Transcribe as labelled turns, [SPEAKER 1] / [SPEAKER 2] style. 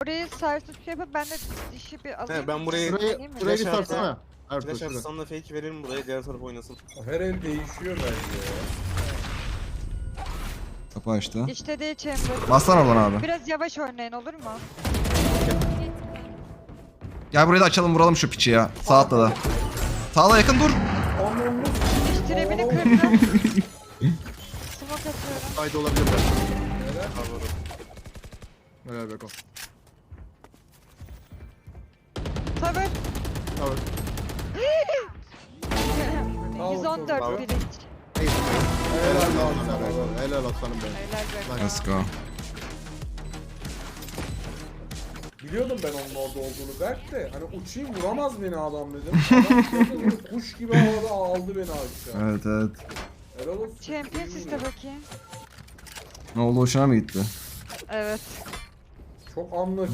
[SPEAKER 1] burayı sarsıp şey yapıp ben de dişi bir alayım.
[SPEAKER 2] He, ben burayı-
[SPEAKER 1] Alayım mı?
[SPEAKER 3] Şurayı bir
[SPEAKER 2] Flash
[SPEAKER 3] sarsana. Ertuğrul
[SPEAKER 2] Flash
[SPEAKER 3] şurada.
[SPEAKER 2] atsam da fake verelim buraya, diğer taraf oynasın.
[SPEAKER 4] Her el değişiyor bence ya.
[SPEAKER 5] Kapı açtı.
[SPEAKER 1] İşte değil chamber.
[SPEAKER 5] Baslan oradan abi.
[SPEAKER 1] Biraz yavaş oynayın olur mu?
[SPEAKER 5] Gel burayı da açalım, vuralım şu piçi ya. Sağ atladı. Sağla yakın dur.
[SPEAKER 4] Anlamlı.
[SPEAKER 1] Diş trebini kırdım. Smoke atıyorum.
[SPEAKER 3] Haydi olabilir ben.
[SPEAKER 4] Neler?
[SPEAKER 3] Helal Beko.
[SPEAKER 1] Tabii.
[SPEAKER 3] Evet.
[SPEAKER 1] 114
[SPEAKER 2] Bravo.
[SPEAKER 1] bilinç.
[SPEAKER 3] Helal aslanım benim. Helal aslanım benim.
[SPEAKER 1] Helal be.
[SPEAKER 5] Let's go.
[SPEAKER 4] Biliyordum ben onun orada olduğunu. Berk de hani uçayım vuramaz beni adam dedim. Adam böyle kuş gibi havada aldı beni aşağı.
[SPEAKER 5] Evet evet.
[SPEAKER 4] Helal olsun.
[SPEAKER 1] Champions iste bakayım.
[SPEAKER 5] Ne oldu, hoşuna mı gitti?
[SPEAKER 1] Evet.
[SPEAKER 4] Çok anlaşıldı.